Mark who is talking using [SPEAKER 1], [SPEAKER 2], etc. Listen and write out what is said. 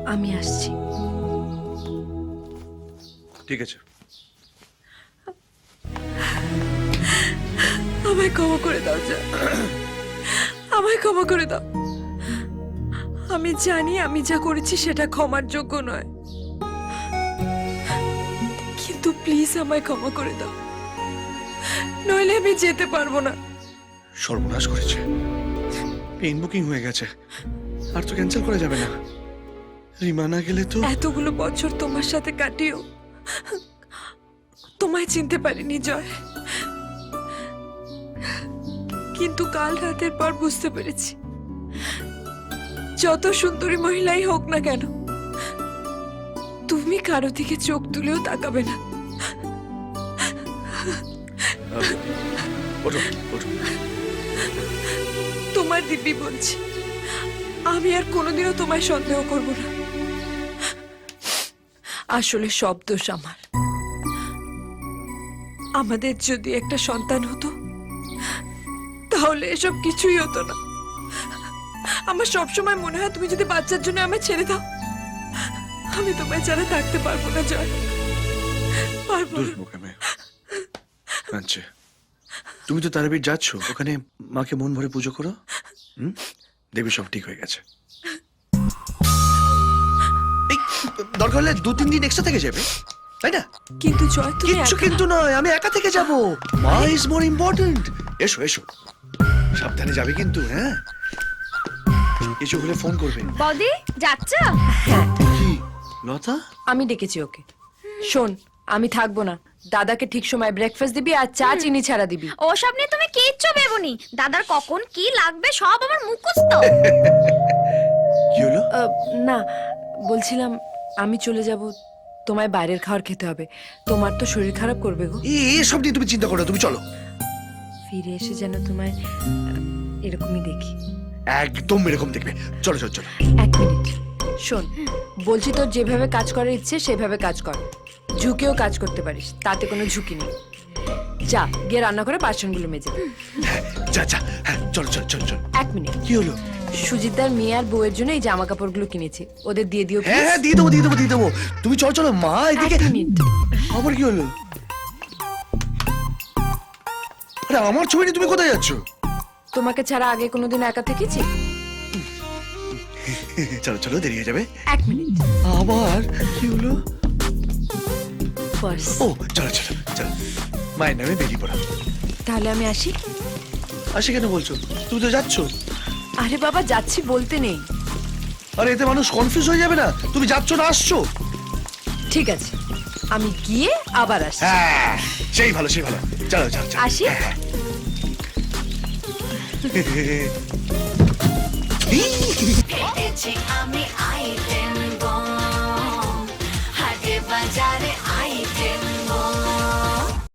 [SPEAKER 1] আমি আসছি।
[SPEAKER 2] ঠিক আছে।
[SPEAKER 1] আমায় ক্ষমা করে দাও জয়, আমায় ক্ষমা করে দাও। আমি জানি আমি যা করেছি সেটা ক্ষমার যোগ্য নয়, কিন্তু প্লিজ আমায় ক্ষমা করে দাও, নইলে আমি যেতে পারবো না।
[SPEAKER 2] সর্বনাশ করেছে, পেন বুকিং হয়ে গেছে, আর তো ক্যান্সেল করা যাবে না। রিমা না গেলে তো।
[SPEAKER 1] এতগুলো বছর তোমার সাথে কাটিয়েও তোমায় চিনতে পারিনি জয়, কিন্তু কাল রাতের পর বুঝতে পেরেছি যত সুন্দরী মহিলাই হোক না কেন তুমি কারো দিকে চোখ তুলেও তাকাবে না।
[SPEAKER 2] ওঠো ওঠো।
[SPEAKER 1] তোমার দিব্যি বলছি, আমি আর কোনোদিনও তোমায় সন্দেহ করব না। আসলে সব দোষ আমার। আমাদের যদি একটা সন্তান হতো তাহলে এসব কিছুই হতো না। আমার সবসময় মনে হয় তুমি যদি বাচ্চার জন্য আমায় ছেড়ে দাও, আমি তোমায় ছাড়া থাকতে পারবো না জয়, পারবো না।
[SPEAKER 2] দুর্মুখে মেয়ে আচ্ছা, তুমি তো তারাপীঠ যাচ্ছ, ওখানে মাকে মন ভরে পুজো করো। দেবী সব ঠিক হয়ে গেছে। এই, দরকার হলে 2-3 দিন এক্সট্রা থেকে যাবে, তাই না?
[SPEAKER 1] কিন্তু জয় তুমি
[SPEAKER 2] কিচ্ছু
[SPEAKER 1] একা-
[SPEAKER 2] কিন্তু নয়, আমি একা থেকে যাব। মা ইজ মোর ইম্পর্টেন্ট। এসো এসো, সাবধানে যাবে কিন্তু। হ্যাঁ, কিছু হলে ফোন করবে।
[SPEAKER 3] বৌদি যাচ্ছ?
[SPEAKER 2] কি লতা?
[SPEAKER 1] আমি ডেকেছি ওকে। শোন, আমি থাকবো না, দাদাকে ঠিক সময় ব্রেকফাস্ট দিবি আর চা চিনি ছাড়া দিবি।
[SPEAKER 3] ওসব নিয়ে তুমি কিচ্ছু ভেবোনি, দাদার কখন কি লাগবে সব আমার মুখস্থ।
[SPEAKER 2] কি হলো?
[SPEAKER 1] না, বলছিলাম আমি চলে যাব, তোমায় বাইরের খাবার খেতে হবে, তোমার তো শরীর খারাপ করবে গো।
[SPEAKER 2] এসব নিয়ে তুমি চিন্তা করো না, তুমি চলো।
[SPEAKER 1] ফিরে এসে যেন তোমায় এরকমই দেখি।
[SPEAKER 2] একদম এরকম দেখবে। চলো চলো চলো।
[SPEAKER 1] এক মিনিট শোন, বলছি তোর যেভাবে কাজ করার ইচ্ছে সেভাবে কাজ কর, ঝুঁকেও কাজ করতে পারিস, তাতে কোনো ঝুঁকি নেই। যা গিয়ে রান্না করে বাসনগুলো মেজে দে।
[SPEAKER 2] হ্যাঁ, যা যা। হ্যাঁ, চলো চলো চলো চলো।
[SPEAKER 1] এক মিনিট,
[SPEAKER 2] কি হলো?
[SPEAKER 1] সুজিতদার মেয়ে আর বউয়ের জন্য এই জামা কাপড়গুলো কিনেছি, ওদের দিয়ে দিও
[SPEAKER 2] হ্যাঁ
[SPEAKER 1] please।
[SPEAKER 2] হ্যাঁ, দিয়ে দেবো দিয়ে দেবো দিয়ে দেবো। তুমি চলো চলো, মা এদিকে।
[SPEAKER 1] এক মিনিট,
[SPEAKER 2] আবার কি হলো? আরে আমার ছবি নিয়ে তুমি কোথায় যাচ্ছ?
[SPEAKER 1] তোমাকে ছাড়া আগে কোনোদিন একা থেকেছি?
[SPEAKER 2] চলো চলো, দেরি হয়ে যাবে।
[SPEAKER 1] এক মিনিট,
[SPEAKER 2] আবার কি হলো?
[SPEAKER 1] পার্স।
[SPEAKER 2] ও চলো চলো চলো, মায়ের নামে বেরিয়ে পড়া।
[SPEAKER 1] তাহলে আমি আসি।
[SPEAKER 2] আসে কেন বলছো? তুমি তো যাচ্ছ।
[SPEAKER 1] আরে বাবা, যাচ্ছি বলতে নেই।
[SPEAKER 2] আরে এতে মানুষ কনফিউজ হয়ে যাবে না? তুমি যাচ্ছ না আসছো?
[SPEAKER 1] ঠিক আছে, আমি গিয়ে আবার আসি।
[SPEAKER 2] হ্যাঁ, সেই ভালো সেই ভালো। চলো চলো চলো।
[SPEAKER 1] আসি।
[SPEAKER 2] হ্যাঁ, হ্যাঁ।